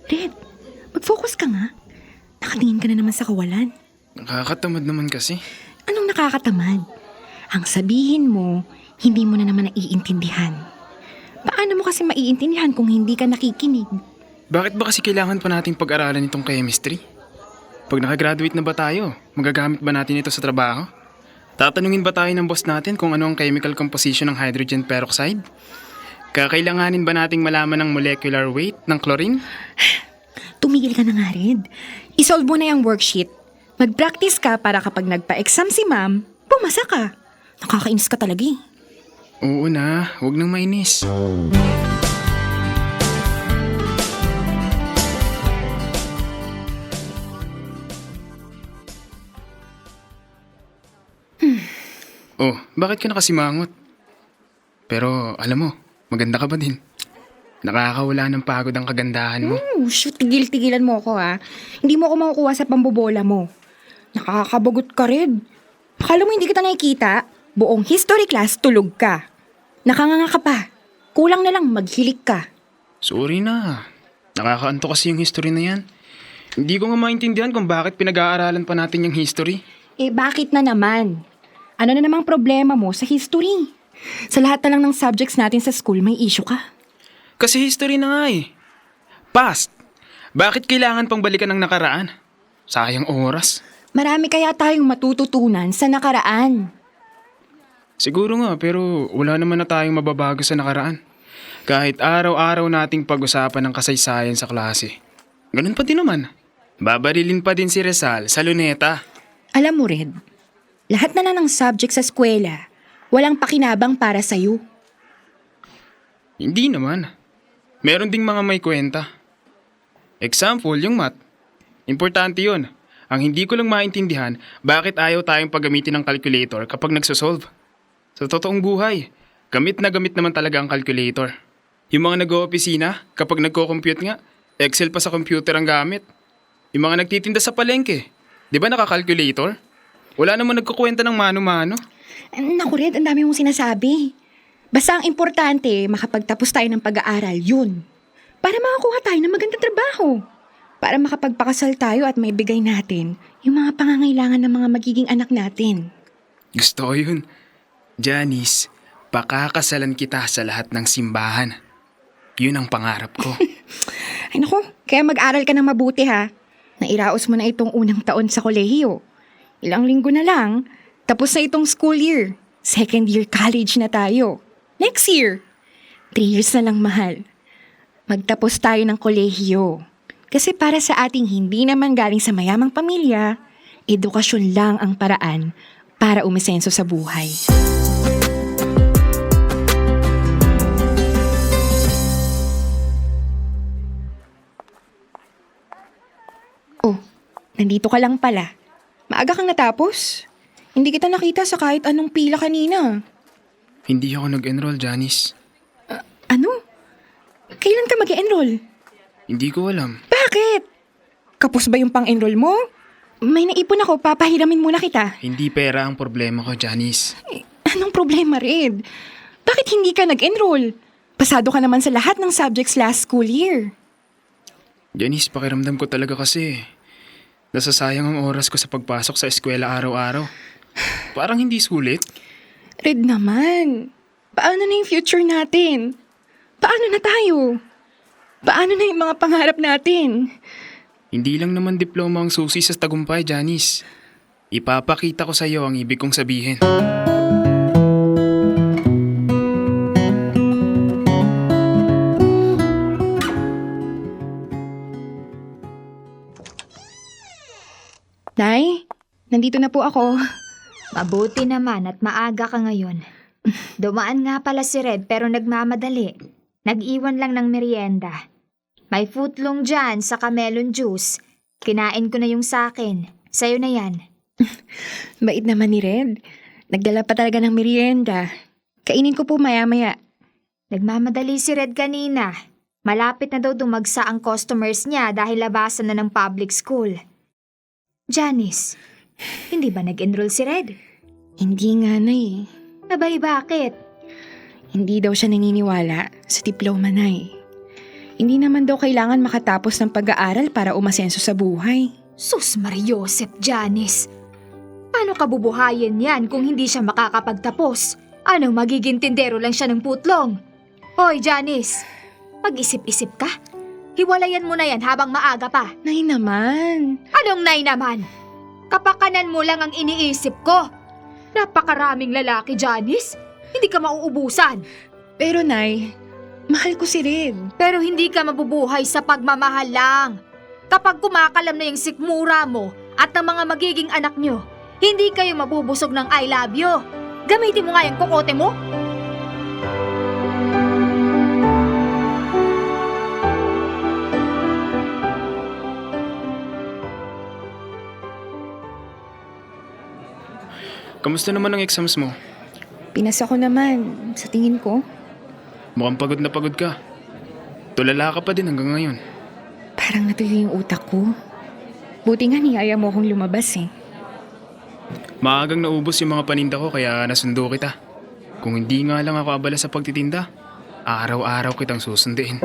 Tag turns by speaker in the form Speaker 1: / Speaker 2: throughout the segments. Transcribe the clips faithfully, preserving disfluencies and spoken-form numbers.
Speaker 1: Red, mag-focus ka nga. Nakatingin ka na naman sa kawalan.
Speaker 2: Nakakatamad naman kasi.
Speaker 1: Anong nakakatamad? Ang sabihin mo, hindi mo na naman naiintindihan. Paano mo kasi maiintindihan kung hindi ka nakikinig?
Speaker 2: Bakit ba kasi kailangan pa nating pag-aralan itong chemistry? Pag nakagraduate na ba tayo, magagamit ba natin ito sa trabaho? Tatanungin ba tayo ng boss natin kung ano ang chemical composition ng hydrogen peroxide? Kakailanganin ba nating malaman ang molecular weight ng chlorine?
Speaker 1: Tumigil ka na nga, Red. Isolve mo na yung worksheet. Mag-practice ka para kapag nagpa-exam si ma'am, pumasa ka. Nakakainis ka talaga eh.
Speaker 2: Oo na, huwag nang mainis. Oh, bakit ka nakasimangot? Pero alam mo, maganda ka ba din? Nakakawala ng pagod ang kagandahan mo.
Speaker 1: Oh, shoot, tigil-tigilan mo ako ha. Hindi mo ako makukuha sa pambobola mo. Nakakabagot ka, Red. Akala mo hindi kita nakikita? Buong history class, tulog ka. Nakanganga ka pa. Kulang na lang maghilik ka.
Speaker 2: Sorry na. Nakakaanto kasi yung history na yan. Hindi ko nga maintindihan kung bakit pinag-aaralan pa natin yung history.
Speaker 1: Eh bakit na naman? Ano na namang problema mo sa history? Sa lahat na lang ng subjects natin sa school, may issue ka.
Speaker 2: Kasi history na nga eh. Past. Bakit kailangan pang balikan ng nakaraan? Sayang oras.
Speaker 1: Marami kaya tayong matututunan sa nakaraan.
Speaker 2: Siguro nga, pero wala naman na tayong mababago sa nakaraan. Kahit araw-araw nating pag-usapan ng kasaysayan sa klase. Ganun pa din naman. Babarilin pa din si Rizal sa luneta.
Speaker 1: Alam mo, Red, lahat na lang ng subject sa eskwela, walang pakinabang para sa'yo.
Speaker 2: Hindi naman. Meron ding mga may kwenta. Example, yung math. Importante yun. Ang hindi ko lang maintindihan, bakit ayaw tayong paggamitin ng calculator kapag nagsosolve. Sa totoong buhay, gamit na gamit naman talaga ang calculator. Yung mga nag-oopisina, kapag nagko-compute nga, Excel pa sa computer ang gamit. Yung mga nagtitinda sa palengke, di ba naka-calculator? Wala naman nagkukwenta ng mano-mano.
Speaker 1: Naku, Red, ang dami mong sinasabi. Basta ang importante, makapagtapos tayo ng pag-aaral, yun. Para makakuha tayo ng magandang trabaho. Para makapagpakasal tayo at maibigay natin yung mga pangangailangan ng mga magiging anak natin.
Speaker 2: Gusto ko yun. Janice, pakakasalan kita sa lahat ng simbahan. Yun ang pangarap ko.
Speaker 1: Ay naku, kaya mag-aral ka ng mabuti ha. Nairaos mo na itong unang taon sa kolehiyo. Ilang linggo na lang, tapos na itong school year. Second year college na tayo. Next year, three years na lang, mahal. Magtapos tayo ng kolehiyo. Kasi para sa ating hindi naman galing sa mayamang pamilya, edukasyon lang ang paraan para umisenso sa buhay. Oh, nandito ka lang pala. Maaga kang natapos. Hindi kita nakita sa kahit anong pila kanina.
Speaker 2: Hindi ako nag-enroll, Janice.
Speaker 1: Ano? Kailan ka mag-enroll?
Speaker 2: Hindi ko alam.
Speaker 1: Bakit? Kapos ba yung pang-enroll mo? May naipon ako, papahiramin muna kita.
Speaker 2: Hindi pera ang problema ko, Janice.
Speaker 1: Eh, anong problema, Red? Bakit hindi ka nag-enroll? Pasado ka naman sa lahat ng subjects last school year.
Speaker 2: Janice, pakiramdam ko talaga kasi nasasayang ang oras ko sa pagpasok sa eskwela araw-araw. Parang hindi sulit.
Speaker 1: Red naman, paano na yung future natin? Paano na tayo? Paano na yung mga pangarap natin?
Speaker 2: Hindi lang naman diploma ang susi sa tagumpay, Janice. Ipapakita ko sa iyo ang ibig kong sabihin.
Speaker 1: Nay, nandito na po ako.
Speaker 3: Mabuti naman at maaga ka ngayon. Dumaan nga pala si Red pero nagmamadali. Nag-iwan lang ng merienda. May footlong dyan sa melon juice. Kinain ko na yung sakin. Sa'yo na yan.
Speaker 1: Bait naman ni Red. Nagdala pa talaga ng merienda. Kainin ko po maya-maya.
Speaker 3: Nagmamadali si Red kanina. Malapit na daw dumagsa ang customers niya dahil labasan na ng public school. Janice, hindi ba nag-enroll si Red?
Speaker 1: Hindi nga na eh.
Speaker 3: Abay, bakit?
Speaker 1: Hindi daw siya naniniwala sa diploma na eh. Hindi naman daw kailangan makatapos ng pag-aaral para umasenso sa buhay.
Speaker 3: Sus Mariosep, Janice. Paano kabubuhayin yan kung hindi siya makakapagtapos? Ano, magiging tindero lang siya ng putlong? Hoy, Janice, mag-isip-isip ka. Hiwalayan mo na yan habang maaga pa.
Speaker 1: Nay naman.
Speaker 3: Anong nay naman? Kapakanan mo lang ang iniisip ko. Napakaraming lalaki, Janice. Hindi ka mauubusan.
Speaker 1: Pero Nay, mahal ko si Red.
Speaker 3: Pero hindi ka mabubuhay sa pagmamahal lang. Kapag kumakalam na yung sikmura mo at ng mga magiging anak nyo, hindi kayo mabubusog ng I love you. Gamitin mo nga yung kokote mo.
Speaker 2: Kamusta naman ang exams mo?
Speaker 1: Pinasa ko naman, sa tingin ko.
Speaker 2: Mukhang pagod na pagod ka. Tulala ka pa din hanggang ngayon.
Speaker 1: Parang natuloy yung utak ko. Buti nga niyaya mo akong lumabas eh.
Speaker 2: Maagang naubos yung mga paninda ko kaya nasundo kita. Kung hindi nga lang ako abala sa pagtitinda, araw-araw kitang susunduin.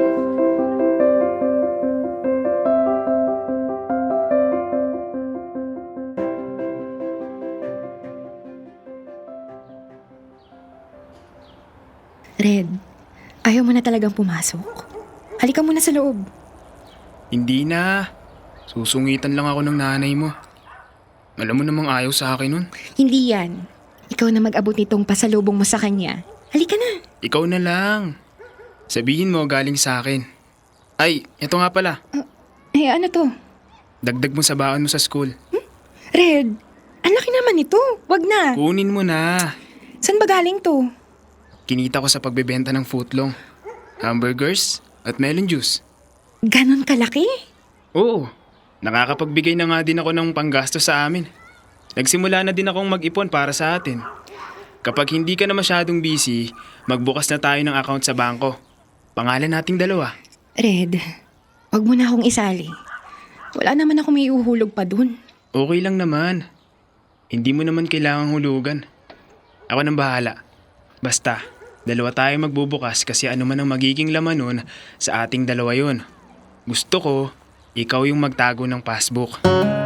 Speaker 1: Red, ayaw mo na talagang pumasok? Halika muna sa loob.
Speaker 2: Hindi na. Susungitan lang ako ng nanay mo. Alam mo namang ayaw sa akin nun.
Speaker 1: Hindi yan. Ikaw na mag-abot nitong pasalubong mo sa kanya. Halika na.
Speaker 2: Ikaw na lang. Sabihin mo galing sa akin. Ay, ito nga pala.
Speaker 1: Eh ano to?
Speaker 2: Dagdag mo sa baon mo sa school.
Speaker 1: Red, ang laki naman ito. Wag na.
Speaker 2: Kunin mo na.
Speaker 1: Saan ba galing to?
Speaker 2: Kinita ko sa pagbebenta ng footlong, hamburgers at melon juice.
Speaker 1: Ganon kalaki?
Speaker 2: Oo, nakakapagbigay na nga din ako ng panggasto sa amin. Nagsimula na din akong mag-ipon para sa atin. Kapag hindi ka na masyadong busy, magbukas na tayo ng account sa bangko. Pangalan nating dalawa.
Speaker 1: Red, wag mo na akong isali. Wala naman ako may uhulog pa dun.
Speaker 2: Okay lang naman. Hindi mo naman kailangang hulugan. Ako nang bahala. Basta, dalawa tayo magbubukas kasi ano man ang magiging laman nun, sa ating dalawa yun. Gusto ko, ikaw yung magtago ng passbook.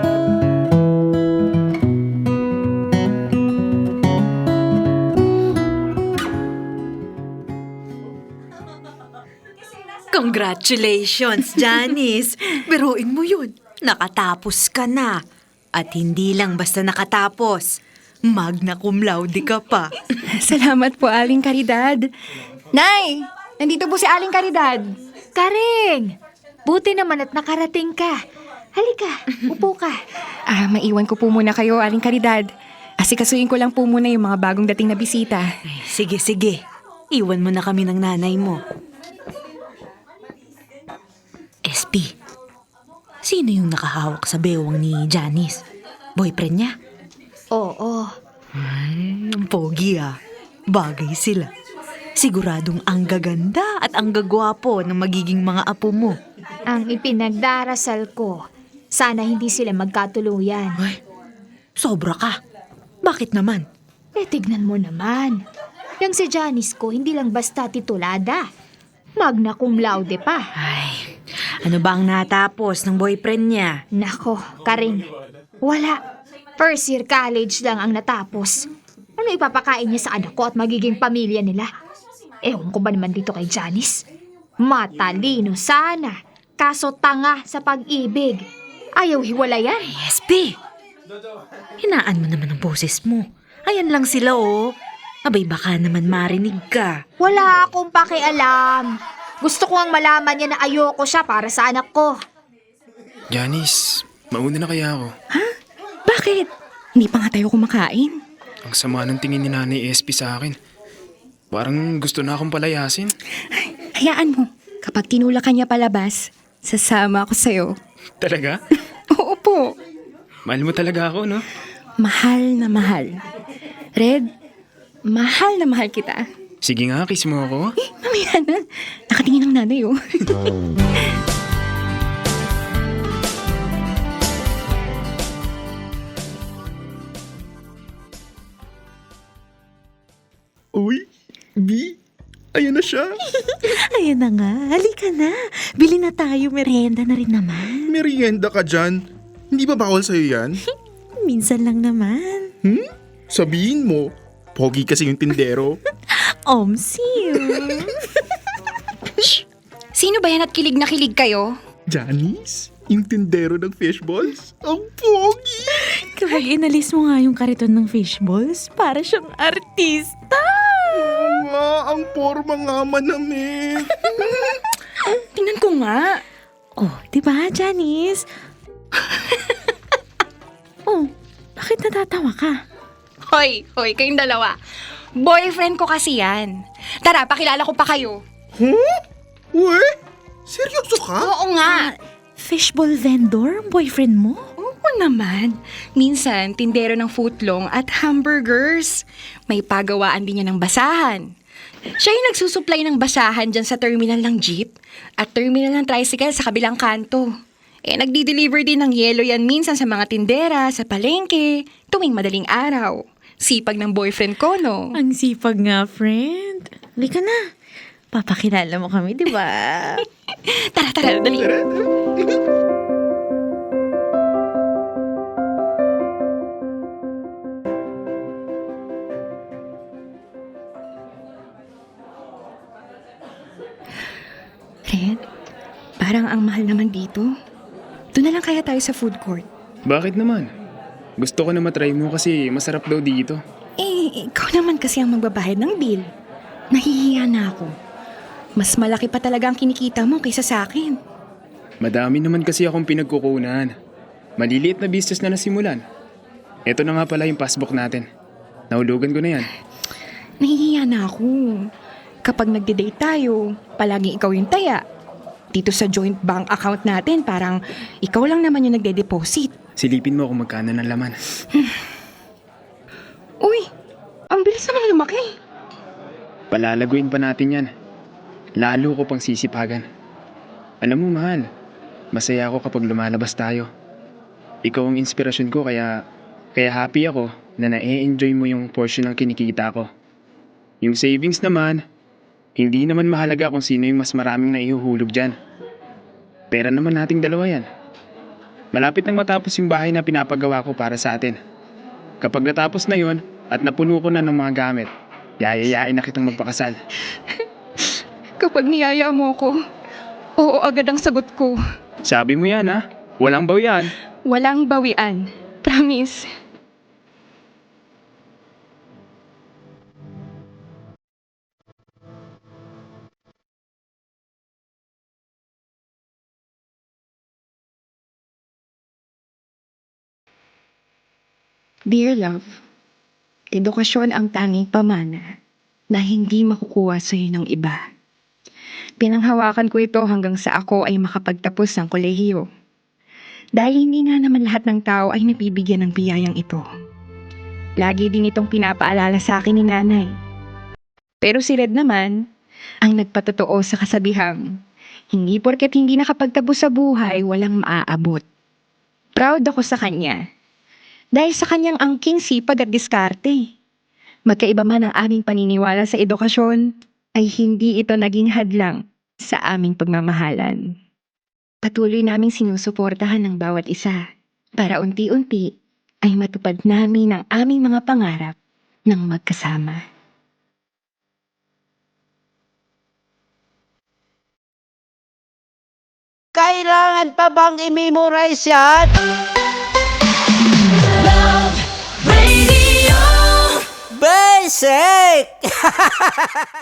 Speaker 4: Congratulations, Janice! Biruin mo yun. Nakatapos ka na. At hindi lang basta nakatapos. Magna cum laude ka pa.
Speaker 1: Salamat po, Aling Caridad. Nay, nandito po si Aling Caridad.
Speaker 3: Karing! Buti naman at nakarating ka. Halika, upo ka.
Speaker 1: Ah, maiwan ko po muna kayo, Aling Caridad. Asikasuin ko lang po muna yung mga bagong dating na bisita.
Speaker 4: Ay, sige, sige. Iwan mo na kami ng nanay mo. S P, sino yung nakahawak sa bewang ni Janice? Boyfriend niya?
Speaker 3: Oo.
Speaker 4: Ay, ang pogi ah. Bagay sila. Siguradong ang gaganda at ang gagwapo ng magiging mga apo mo.
Speaker 3: Ang ipinagdarasal ko, sana hindi sila magkatuluyan.
Speaker 4: Ay, sobra ka. Bakit naman?
Speaker 3: Eh, tignan mo naman. Yang si Janice ko, hindi lang basta titulada. Magna cum laude pa.
Speaker 4: Ay, ano ba ang natapos ng boyfriend niya?
Speaker 3: Nako, Karing, wala. First year college lang ang natapos. Ano ipapakain niya sa anak ko at magiging pamilya nila? Ewan ko ba naman dito kay Janice? Matalino sana, kaso tanga sa pag-ibig. Ayaw hiwalayan.
Speaker 4: S P, hinaan mo naman ang boses mo. Ayan lang sila oh. Abay baka naman marinig ka.
Speaker 3: Wala akong pakialam. Gusto ko ang malaman niya na ayoko siya para sa anak ko.
Speaker 2: Janice, mauna na kaya ako.
Speaker 1: Bakit? Hindi pa nga tayo kumakain.
Speaker 2: Ang sama ng tingin ni Nanay S P sa akin. Parang gusto na akong palayasin.
Speaker 1: Ay, hayaan mo. Kapag tinula ka niya palabas, sasama ako sa'yo.
Speaker 2: Talaga?
Speaker 1: Oo po.
Speaker 2: Mahal mo talaga ako, no?
Speaker 1: Mahal na mahal. Red, mahal na mahal kita.
Speaker 2: Sige nga, kiss mo ako.
Speaker 1: Eh, mamaya na. Nakatingin ang nanay, oh.
Speaker 5: Uy, B, ayan na siya.
Speaker 6: Ayan na nga, halika na. Bili na tayo, merienda na rin naman.
Speaker 5: Merienda ka dyan. Hindi ba bawal sa'yo yan?
Speaker 6: Minsan lang naman.
Speaker 5: Hmm? Sabihin mo, pogi kasi yung tindero.
Speaker 6: Omsim.
Speaker 1: Sino ba yan at kilig na kilig kayo?
Speaker 5: Janice, yung tindero ng fishballs? Ang pogi!
Speaker 6: Kapag inalis mo nga yung kariton ng fishballs, para siyang artista.
Speaker 5: Oo nga, ang forma nga manamit.
Speaker 1: Tingnan ko nga.
Speaker 6: Oh, di ba, Janice? Oh, bakit natatawa ka?
Speaker 1: Hoy, hoy, kayong dalawa. Boyfriend ko kasi yan. Tara, pakilala ko pa kayo.
Speaker 5: Huh? Uwe? Seryoso ka?
Speaker 1: Oo nga.
Speaker 6: Fishball vendor, ang boyfriend mo?
Speaker 1: Oo naman. Minsan, tindero ng footlong at hamburgers. May pagawaan din niya ng basahan. Siya yung nagsusupply ng basahan dyan sa terminal ng jeep at terminal ng tricycle sa kabilang kanto. Eh, nagdi-deliver din ng yelo yan minsan sa mga tindera, sa palengke, tuwing madaling araw. Sipag ng boyfriend ko, no?
Speaker 6: Ang sipag nga, friend. Halika na. Papakilala mo kami, di ba?
Speaker 1: Tara, tara, dali. Red, parang ang mahal naman dito. Doon na lang kaya tayo sa food court.
Speaker 2: Bakit naman? Gusto ko na matry mo kasi masarap daw dito.
Speaker 1: Eh, ikaw naman kasi ang magbabayad ng bill. Nahihiya na ako. Mas malaki pa talaga ang kinikita mo kaysa sa akin.
Speaker 2: Madami naman kasi akong pinagkukunan. Maliliit na business na nasimulan. Ito na nga pala yung passbook natin. Nahulugan ko na yan.
Speaker 1: Nahihiya na ako. Kapag nagde-date tayo, palaging ikaw yung taya. Dito sa joint bank account natin, parang ikaw lang naman yung nagde-deposit.
Speaker 2: Silipin mo kung magkano ng laman.
Speaker 1: Uy, ang bilis naman lumaki.
Speaker 2: Palalaguin pa natin yan. Lalo ko pang sisipagan. Alam mo, mahal, masaya ako kapag lumalabas tayo. Ikaw ang inspirasyon ko kaya, kaya happy ako na na-e-enjoy mo yung portion ng kinikita ko. Yung savings naman, hindi naman mahalaga kung sino yung mas maraming naihuhulog dyan. Pera naman nating dalawa yan. Malapit nang matapos yung bahay na pinapagawa ko para sa atin. Kapag natapos na yon at napuno ko na ng mga gamit, yayayain na kitang magpakasal.
Speaker 1: Kapag niyaya mo ko, oo agad ang sagot ko.
Speaker 2: Sabi mo yan, ha? Walang bawian.
Speaker 1: Walang bawian. Promise. Dear love, edukasyon ang tanging pamana na hindi makukuha sa iyo ng iba. Pinanghawakan ko ito hanggang sa ako ay makapagtapos ng kolehiyo. Dahil hindi nga naman lahat ng tao ay nabibigyan ng biyayang ito. Lagi din itong pinapaalala sa akin ni nanay. Pero si Red naman, ang nagpatotoo sa kasabihang, hindi porket hindi nakapagtapos sa buhay, walang maaabot. Proud ako sa kanya. Dahil sa kanyang angking sipag at diskarte. Magkaiba man ang aming paniniwala sa edukasyon, ay hindi ito naging hadlang sa aming pagmamahalan. Patuloy naming sinusuportahan ng bawat isa para unti-unti ay matupad namin ang aming mga pangarap ng magkasama.
Speaker 7: Kailangan pa bang i-memorize yan? Basic!